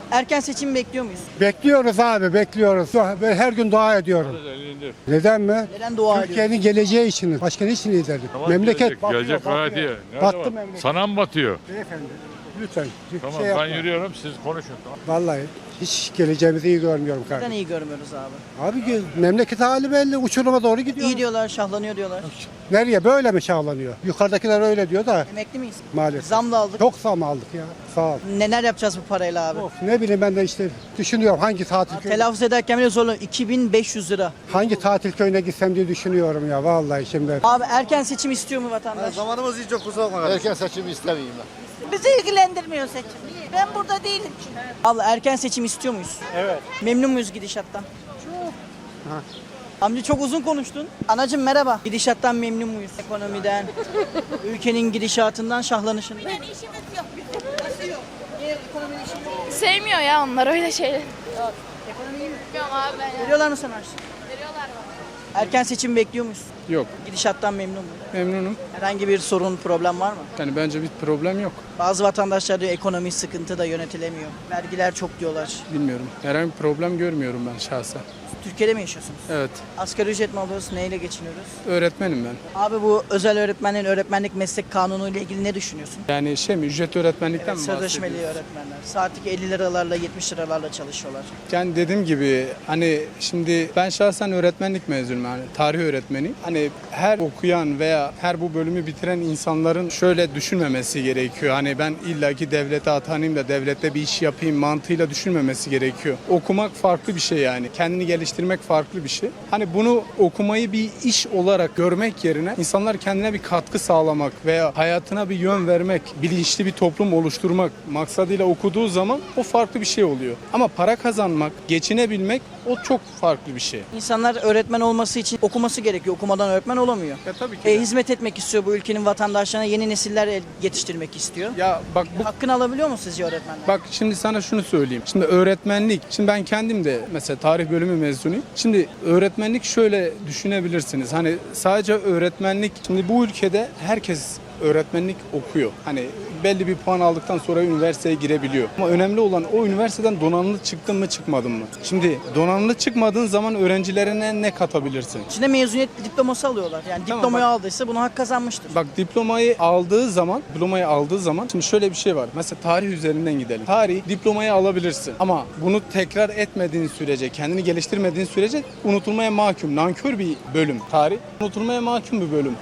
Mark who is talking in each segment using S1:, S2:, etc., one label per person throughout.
S1: Erken seçim bekliyor muyuz?
S2: Bekliyoruz abi, bekliyoruz. Ben her gün dua ediyorum. Neden mi?
S1: Neden dua ediyoruz?
S2: Türkiye'nin geleceği için. Başka ne için liderlik? Memleket batıyor,
S3: gelecek
S2: batıyor.
S3: gayet iyi. Nerede
S2: Battı
S3: var?
S2: memleket.
S3: Sana mı batıyor?
S2: Beyefendi, lütfen.
S3: Tamam
S2: şey
S3: ben
S2: yapma.
S3: yürüyorum siz konuşun. Tamam.
S2: Vallahi hiç geleceğimizi iyi görmüyorum
S1: Neden
S2: kardeşim.
S1: iyi görmüyoruz abi?
S2: Abi memleket hali belli. Uçuruma doğru gidiyor.
S1: İyi diyorlar, şahlanıyor diyorlar.
S2: Nereye? Böyle mi şahlanıyor? Yukarıdakiler öyle diyor da
S1: Emekli miyiz?
S2: maalesef.
S1: Zam da aldık.
S2: Çok zam aldık ya. Sağ ol.
S1: Neler yapacağız bu parayla abi?
S2: Of, ne bileyim ben de işte düşünüyorum hangi tatil köyüne,
S1: Telaffuz ederken bile zorlanıyorum. 2500 lira.
S2: hangi tatil köyüne gitsem diye düşünüyorum ya vallahi şimdi.
S1: Abi erken seçim istiyor mu vatandaş?
S4: Zamanımız hiç yok, kusura bakma.
S5: Erken seçimi istemeyeyim ben.
S6: Bizi ilgilendirmiyor seçim. Ben burada değilim çünkü.
S1: Abla erken seçim istiyor muyuz? Evet. Memnun muyuz gidişattan? Çok. Amca çok uzun konuştun. Anacığım merhaba. Gidişattan memnun muyuz? Ekonomiden, ülkenin gidişatından, şahlanışından.
S6: Yani işimiz yok.
S1: Ekonominin işi yok.
S7: Sevmiyor ya onlar öyle şeyler.
S1: Ekonomi iyi mi?
S7: Bilmiyorum abi ben ya.
S1: Veriyorlar mı sana harçlık?
S7: Veriyorlar bana.
S1: Erken seçim bekliyor muyuz?
S8: Yok,
S1: Gidişattan memnun muyuz?
S8: memnunum.
S1: Herhangi bir sorun, problem var mı?
S8: Yani bence bir problem yok.
S1: Bazı vatandaşlar diyor ekonomi sıkıntı da yönetilemiyor. Vergiler çok diyorlar.
S8: Bilmiyorum. Herhangi bir problem görmüyorum ben şahsen.
S1: Türkiye'de mi yaşıyorsunuz?
S8: Evet,
S1: Asgari ücret mi alıyoruz? Neyle geçiniyoruz?
S8: öğretmenim ben.
S1: Abi bu özel öğretmenlerin öğretmenlik meslek kanunu ile ilgili ne düşünüyorsun?
S8: Yani ücret öğretmenlikten mi
S1: Sözleşmeli
S8: bahsediyoruz?
S1: öğretmenler. Saatlik 50 liralarla 70 liralarla çalışıyorlar.
S8: Yani dediğim gibi hani şimdi ben şahsen öğretmenlik mezunuyum, yani tarih öğretmeni. Hani her okuyan veya her bu bölümü bitiren insanların şöyle düşünmemesi gerekiyor. Hani ben illaki devlete atanayım da devlette bir iş yapayım mantığıyla düşünmemesi gerekiyor. Okumak farklı bir şey yani. Kendini geliştirmek farklı bir şey. Hani bunu okumayı bir iş olarak görmek yerine insanlar kendine bir katkı sağlamak veya hayatına bir yön vermek, bilinçli bir toplum oluşturmak maksadıyla okuduğu zaman o farklı bir şey oluyor. Ama para kazanmak, geçinebilmek o çok farklı bir şey.
S1: İnsanlar öğretmen olması için okuması gerekiyor. Okumadan öğretmen olamıyor.
S8: Ya tabii ki. de.
S1: Hizmet etmek istiyor bu ülkenin vatandaşlarına. Yeni nesiller yetiştirmek istiyor.
S8: Ya bak bu
S1: Hakkını alabiliyor mu sizce öğretmenler?
S8: Bak şimdi sana şunu söyleyeyim. Şimdi öğretmenlik, şimdi ben kendim de mesela tarih bölümü mezunuyum. Şimdi öğretmenlik şöyle düşünebilirsiniz. Hani sadece öğretmenlik, şimdi bu ülkede herkes öğretmenlik okuyor. Hani belli bir puan aldıktan sonra üniversiteye girebiliyor. Ama önemli olan o üniversiteden donanımlı çıktın mı çıkmadın mı? Şimdi donanımlı çıkmadığın zaman öğrencilerine ne katabilirsin?
S1: İçinde mezuniyet diploması alıyorlar. Yani
S8: Tamam,
S1: diplomayı
S8: bak.
S1: aldıysa bunu hak kazanmıştır.
S8: Bak diplomayı aldığı zaman şimdi şöyle bir şey var. Mesela tarih üzerinden gidelim. Tarih diplomayı alabilirsin ama bunu tekrar etmediğin sürece, kendini geliştirmediğin sürece unutulmaya mahkum. Nankör bir bölüm tarih. Unutulmaya mahkum bir bölüm.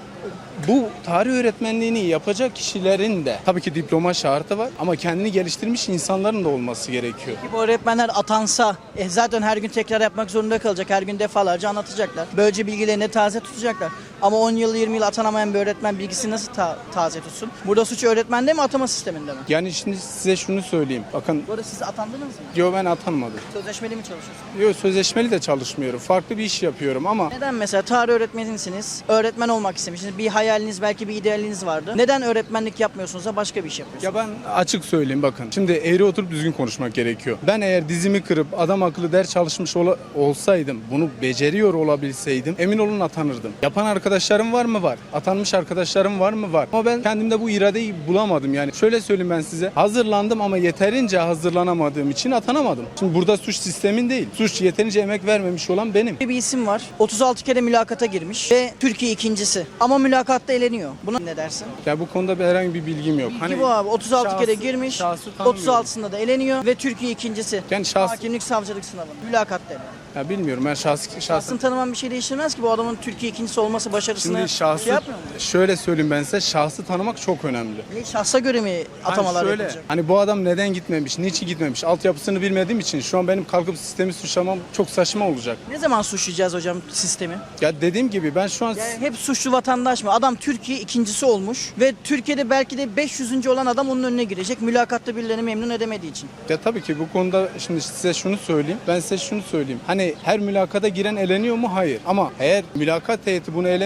S8: Bu tarih öğretmenliğini yapacak kişilerin de tabii ki diploma şartı var ama kendini geliştirmiş insanların da olması gerekiyor.
S1: Bu öğretmenler atansa zaten her gün tekrar yapmak zorunda kalacak. Her gün defalarca anlatacaklar. Böylece bilgilerini taze tutacaklar. Ama 10 yıl 20 yıl atanamayan bir öğretmen bilgisini nasıl taze tutsun? Burada suç öğretmende mi atama sisteminde mi?
S8: Yani şimdi size şunu söyleyeyim. Bakın
S1: Bu arada siz atandınız mı?
S8: yo ben atanmadım.
S1: Sözleşmeli mi çalışıyorsunuz?
S8: Yo sözleşmeli de çalışmıyorum. Farklı bir iş yapıyorum ama
S1: Neden mesela tarih öğretmenisiniz, öğretmen olmak istemişsiniz, bir hayaliniz belki bir idealiniz vardı. Neden öğretmenlik yapmıyorsunuz da başka bir iş yapıyorsunuz?
S8: ya ben açık söyleyeyim bakın. Şimdi eğri oturup düzgün konuşmak gerekiyor. Ben eğer dizimi kırıp adam akıllı ders çalışmış olsaydım, bunu beceriyor olabilseydim emin olun atanırdım. Yapan arkadaşlarım var mı? Var. Atanmış arkadaşlarım var mı? Var. Ama ben kendimde bu iradeyi bulamadım yani. Şöyle söyleyeyim ben size. Hazırlandım ama yeterince hazırlanamadığım için atanamadım. Şimdi burada suç sistemin değil. Suç yeterince emek vermemiş olan benim.
S1: Bir isim var. 36 kere mülakata girmiş ve Türkiye ikincisi. Ama mülakatta eleniyor. Buna ne dersin?
S8: Ya bu konuda herhangi bir bilgim yok.
S1: Bilgi bu abi. 36 kere girmiş.
S8: şahsı tanımıyorum.
S1: 36'sında da eleniyor ve Türkiye ikincisi.
S8: Yani
S1: Hakimlik savcılık sınavında. Mülakatta eleniyor.
S8: Ya bilmiyorum ben
S1: Şahsını
S8: şahsın
S1: tanıman bir şey değiştirmez ki bu adamın Türkiye ikincisi olması başarısına
S8: şimdi şahsı
S1: şey yapmıyor mu?
S8: şöyle söyleyeyim ben size şahsı tanımak çok önemli.
S1: Şahsa göre mi atamalar
S8: şöyle,
S1: yapılacak?
S8: hani bu adam neden gitmemiş, niçin gitmemiş, altyapısını bilmediğim için şu an benim kalkıp sistemi suçlamam çok saçma olacak.
S1: Ne zaman suçlayacağız hocam sistemi?
S8: Ya dediğim gibi ben şu an
S1: Yani hep suçlu vatandaş mı? Adam Türkiye ikincisi olmuş ve Türkiye'de belki de 500. olan adam onun önüne girecek. Mülakatta birilerini memnun edemediği için.
S8: ya tabii ki bu konuda şimdi size şunu söyleyeyim. Ben size şunu söyleyeyim. Hani her mülakata giren eleniyor mu? Hayır. Ama eğer mülakat heyeti bunu elemiyor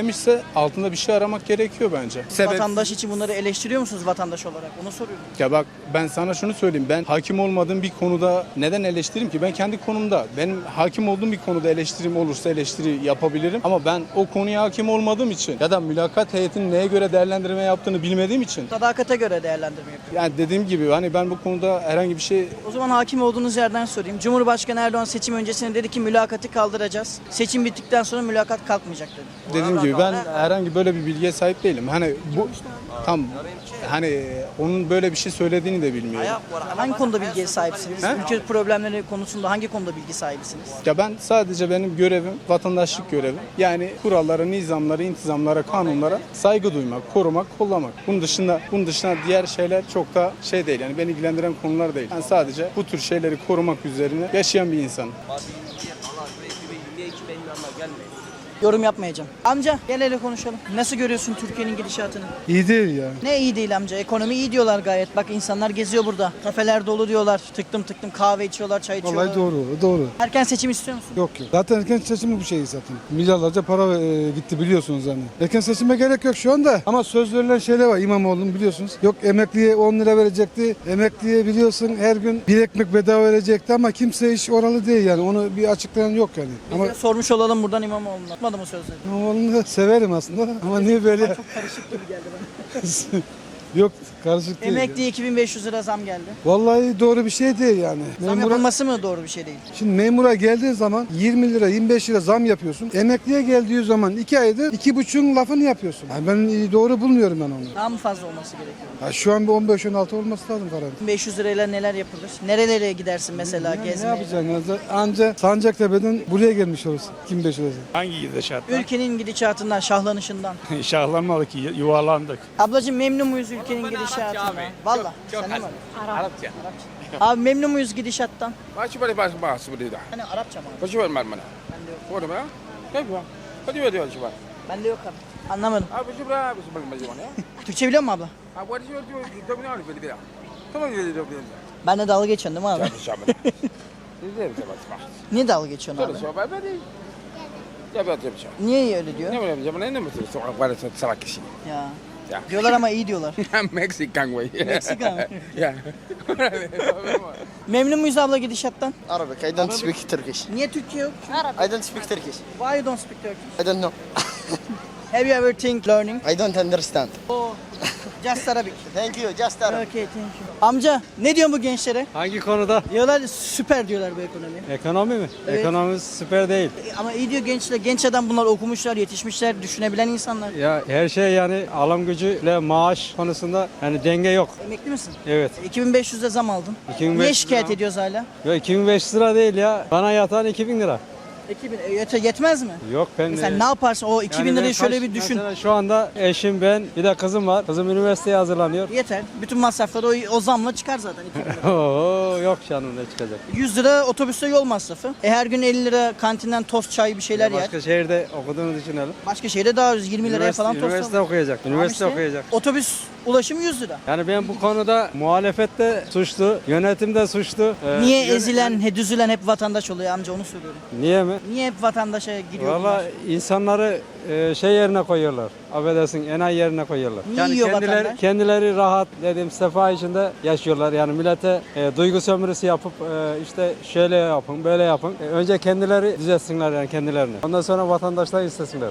S8: belirlemişse altında bir şey aramak gerekiyor bence.
S1: Vatandaş için bunları eleştiriyor musunuz vatandaş olarak? Onu soruyorum.
S8: Ya bak ben sana şunu söyleyeyim. Ben hakim olmadığım bir konuda neden eleştireyim ki? Ben kendi konumda. Benim hakim olduğum bir konuda eleştirim olursa eleştiri yapabilirim. Ama ben o konuya hakim olmadığım için ya da mülakat heyetinin neye göre değerlendirme yaptığını bilmediğim için.
S1: Sadakate göre değerlendirme yapıyor.
S8: Yani dediğim gibi hani ben bu konuda herhangi bir şey
S1: O zaman hakim olduğunuz yerden sorayım. Cumhurbaşkanı Erdoğan seçim öncesinde dedi ki mülakatı kaldıracağız. Seçim bittikten sonra mülakat kalkmayacak dedi.
S8: dediğim gibi ben herhangi böyle bir bilgiye sahip değilim. Hani bu tam hani onun böyle bir şey söylediğini de bilmiyorum.
S1: Hangi konuda bilgiye sahipsiniz?
S8: He?
S1: Ülke problemleri konusunda hangi konuda bilgi sahibisiniz?
S8: Ya ben sadece benim görevim vatandaşlık görevi. Yani kurallara, nizamlara, intizamlara, kanunlara saygı duymak, korumak, kollamak. Bunun dışında diğer şeyler çok da şey değil. Yani beni ilgilendiren konular değil. Ben sadece bu tür şeyleri korumak üzerine yaşayan bir insanım.
S1: Yorum yapmayacağım. Amca gel hele konuşalım. Nasıl görüyorsun Türkiye'nin gidişatını?
S2: İyi değil ya.
S1: Ne iyi değil amca. Ekonomi iyi diyorlar gayet. Bak insanlar geziyor burada. Kafeler dolu diyorlar. Tıktım tıktım kahve içiyorlar, çay içiyorlar.
S2: Vallahi doğru.
S1: Erken seçim istiyor musun?
S2: Yok. Zaten erken seçimi bu şey zaten. Milyarlarca para gitti biliyorsunuz yani. Erken seçime gerek yok şu anda. Ama söz verilen şeyler var İmamoğlu'nun biliyorsunuz. Yok emekliye 10 lira verecekti. Emekliye biliyorsun her gün bir ekmek bedava verecekti ama kimse iş oralı değil yani. Onu bir açıklayan yok yani. Ama
S1: Biz de sormuş olalım buradan İmamoğlu'na. Tutmadı mı sözleri?
S2: İmamoğlu'nu da severim aslında ama niye böyle?
S1: Çok karışık gibi geldi bana.
S2: Yok karışık değil.
S1: Emekliye 2500 lira zam geldi.
S2: Vallahi doğru bir şey değil yani.
S1: Zam yapılması mı doğru bir şey değil?
S2: Şimdi memura geldiğin zaman 20 lira 25 lira zam yapıyorsun. Emekliye geldiği zaman 2 aydır 2,5'un lafını yapıyorsun. Yani ben doğru bulmuyorum ben onu.
S1: Daha mı fazla olması gerekiyor?
S2: Ya şu an bir 15-16 olması lazım karar.
S1: 500 lirayla neler yapılır? Nerelere gidersin mesela
S2: Ne
S1: gezmeye?
S2: yapacaksın? Yani anca Sancaktepe'den buraya gelmiş olursun. Kim 5 lirası?
S3: Hangi gidişattan?
S1: Ülkenin gidişatından, şahlanışından.
S3: Şahlanmadık, yuvarlandık.
S1: Ablacığım memnun muyuz ülkenin gidişatından? Valla. Sen de mi?
S4: Arapça.
S1: Abi memnun muyuz gidişattan?
S4: Masih boleh bahas seperti itu.
S1: Hani Arapça mı?
S4: Kau cuba mana?
S1: Bende yok.
S4: Kau ada mana? Kau cuba. Kau cuba cuba.
S1: Bende yok abi. Anlamadım.
S4: Apa cuba? Apa sebelum macam mana?
S1: Türkçe biliyor musun abla?
S4: Apa dia cuba kita punya apa dia? Tolong dia dia dia.
S1: Ben de dalga geçiyorsun değil mi abi?
S4: Siapa? Dia dia sebab.
S1: Niye dalga geçiyorsun
S4: Terus
S1: abi?
S4: apa dia? Ya betul betul.
S1: Niye öyle diyor?
S4: Ini macam mana ini mesti seorang pada salah kisi.
S1: Ya.
S4: Ya.
S1: Diyorlar ama iyi diyorlar.
S4: Mexican way.
S1: Meksika mı?
S4: Ya.
S1: Memnun muyuz abla gidişattan?
S5: Arabic. I don't speak Turkish.
S1: Niye Türkçe yok?
S5: I don't speak Turkish.
S1: Why you don't speak Turkish?
S5: I don't know.
S1: Have you ever think learning?
S5: I don't understand.
S1: Oh, just Arabic.
S5: Thank you. Just Arabic.
S1: Okay, thank you. Amca ne diyorsun bu gençlere?
S9: Hangi konuda?
S1: Diyorlar süper diyorlar bu ekonomi.
S9: Ekonomi mi?
S1: Evet.
S9: Ekonomi süper değil.
S1: Ama iyi diyor gençler. Genç adam bunlar okumuşlar, yetişmişler, düşünebilen insanlar.
S9: Ya her şey yani alım gücüyle maaş konusunda yani denge yok.
S1: Emekli misin?
S9: Evet.
S1: 2500'e zam aldın.
S9: 2500
S1: Niye şikayet
S9: zam.
S1: ediyoruz hala?
S9: Ya 2500 lira değil ya. Bana yatan 2000 lira.
S1: 2000 yetmez mi?
S9: Yok ben
S1: Sen ne yaparsın? O 2000
S9: yani ben
S1: lirayı şöyle
S9: kaç-
S1: bir düşün.
S9: Mesela şu anda eşim ben bir de kızım var. Kızım üniversiteye hazırlanıyor.
S1: Yeter. Bütün masrafları o zamla çıkar zaten 2000 lira.
S9: Oo, yok canım ne çıkacak.
S1: 100 lira otobüste yol masrafı. Her gün 50 lira kantinden tost, çay bir şeyler yer.
S9: Başka şehirde okuduğunu düşünelim.
S1: Başka şehirde daha ucuz 20 liraya falan tost
S9: üniversite
S1: alıyor.
S9: okuyacak.
S1: Tamam
S9: Üniversite
S1: işte.
S9: okuyacak.
S1: Otobüs ulaşımı 100 lira.
S9: Yani ben bu konuda muhalefette suçlu, yönetimde suçlu.
S1: Niye ezilen, düzülen hep vatandaş oluyor amca onu soruyorum.
S9: Niye mi?
S1: Niye hep vatandaşa giriyor
S9: Valla
S1: bunlar?
S9: insanları şey yerine koyuyorlar. Affedersin enayi yerine koyuyorlar.
S1: Niye yiyor
S9: kendileri,
S1: vatandaş?
S9: kendileri rahat dedim sefa içinde yaşıyorlar. Yani millete duygu sömürüsü yapıp işte şöyle yapın böyle yapın. Önce kendileri düzeltsinler yani kendilerini. Ondan sonra vatandaşlar istesinler.